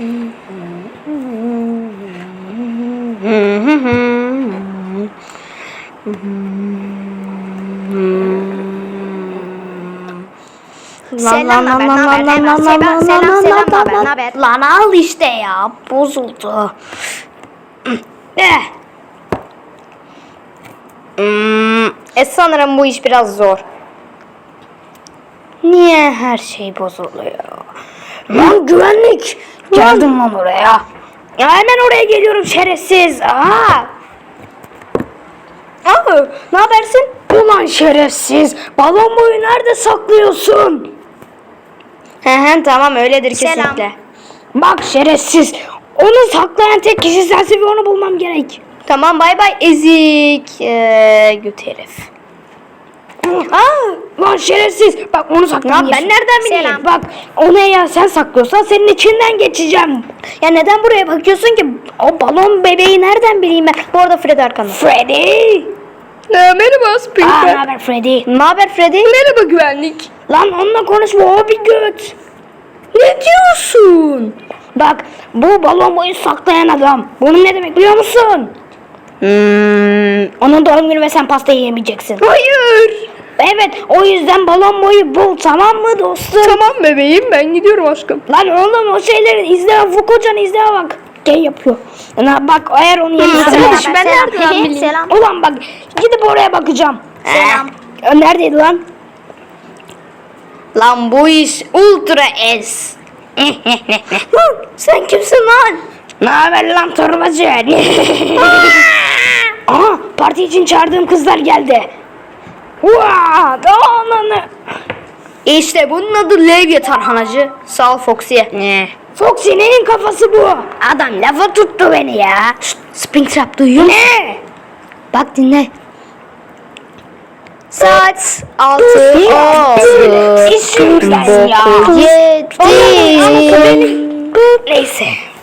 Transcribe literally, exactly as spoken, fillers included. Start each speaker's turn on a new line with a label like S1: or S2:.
S1: Selam, naber, naber, hemen selam, selam, selam, naber, naber.
S2: Lan al işte ya, bozuldu. Eh. Hmm, e sanırım bu iş biraz zor. Niye her şey bozuluyor? Lan güvenlik! Geldim lan oraya. Ya hemen oraya geliyorum şerefsiz. Aa! Aa, ne habersin? Ulan şerefsiz! Balon boyu nerede saklıyorsun? He he tamam öyledir kesinlikle.
S1: Selam.
S2: Bak şerefsiz! Onu saklayan tek kişi sensin ve onu bulmam gerek. Tamam bay bay ezik ee, göt herif. Aa, lan şerefsiz! Bak onu saklamıyorsun. Ben nereden bileyim?
S1: Selam.
S2: Bak onu eğer sen saklıyorsan senin içinden geçeceğim. Ya neden buraya bakıyorsun ki? O balon bebeği nereden bileyim ben? Bu arada Freddy arkanda. Freddy!
S3: Merhaba
S2: Aa,
S3: Springtrap.
S2: ne haber Freddy? Ne haber Freddy?
S3: Merhaba güvenlik.
S2: Lan onunla konuşma, o bir göt. Ne diyorsun? Bak bu balon boyu saklayan adam. Bunun ne demek biliyor musun? Hmm, onun doğum günü ve sen pastayı yemeyeceksin.
S3: Hayır.
S2: Evet o yüzden balon boyu bul, tamam mı dostum?
S3: Tamam bebeğim, ben gidiyorum aşkım.
S2: Lan oğlum o şeyleri izle, Fukucan izle bak. Gel yapıyor. Lan bak eğer onu yemişsen.
S1: Selam,
S3: ben
S1: selam,
S3: nereden
S1: hehe,
S3: bileyim?
S1: selam.
S2: Ulan bak gidip oraya bakacağım.
S1: Selam.
S2: Ee, neredeydi lan? Lan bu iş ultra es. Lan sen kimsin lan? Ne haber lan torbacı? Aha parti için çağırdığım kızlar geldi. Vaa! Ananı. İşte bunun adı Levye tarhanacı. Sağ ol Foxy'ye. Ne? Foxy neyin kafası bu? Adam lafa tuttu beni ya. Şşt, Springtrap duyuyor musun? Ne? Bak dinle. Saat altı oldu. İşim ben ya. Yedi. Neyse.